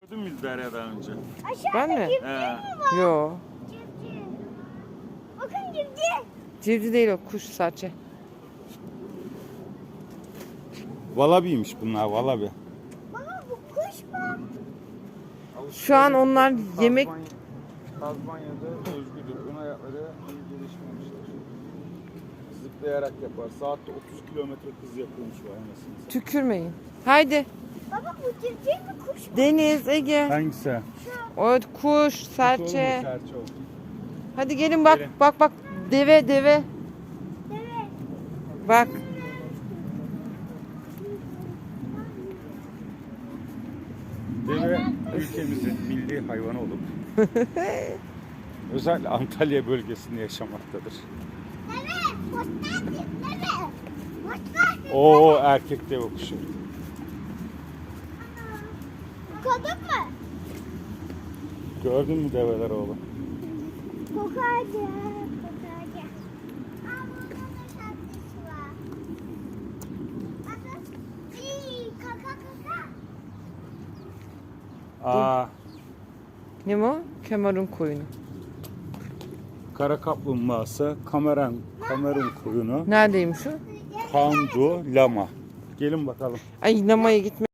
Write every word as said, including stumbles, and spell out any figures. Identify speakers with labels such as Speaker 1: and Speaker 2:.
Speaker 1: Gördün mü Derya daha önce?
Speaker 2: Ben mi?
Speaker 3: Civciv mi var?
Speaker 2: Yo.
Speaker 3: Civciv. Bakın civciv.
Speaker 2: Civciv değil o, kuş sadece.
Speaker 1: Valabiymiş bunlar, valabi.
Speaker 3: Baba bu kuş mu?
Speaker 2: Şu an onlar yemek...
Speaker 1: Tazmanya'da özgüdür. Ön ayakları iyi gelişmemişler. Zıplayarak yapar. Saatte otuz kilometre hız yapıyormuş bu anasını.
Speaker 2: Tükürmeyin. Haydi.
Speaker 3: Baba bu civciv mi kuş mu?
Speaker 2: Deniz, Ege.
Speaker 1: Hangisi?
Speaker 2: O kuş, serçe.
Speaker 1: Serçe o.
Speaker 2: Hadi gelin bak,
Speaker 1: Gelin.
Speaker 2: bak bak. Deve, deve.
Speaker 3: Evet.
Speaker 2: Bak.
Speaker 1: Deve ülkemizin milli hayvanı olup özellikle Antalya bölgesinde yaşamaktadır.
Speaker 3: Evet. Hoş geldin. Evet. Hoş geldin.
Speaker 1: Oo erkek deve kuşu.
Speaker 3: Kadın mı?
Speaker 1: Gördün mü develer oğlum?
Speaker 3: Kokarca. Kokarca. Aa burada da şarkısı var. Bakın. İyi, kaka kaka.
Speaker 1: Aa,
Speaker 2: Ne mi o? Kemerun koyunu.
Speaker 1: kara kaplumbağası, kameran, kamerun koyunu,
Speaker 2: Neredeymiş o?
Speaker 1: pandu, lama. Gelin bakalım.
Speaker 2: Ay namaya gitme.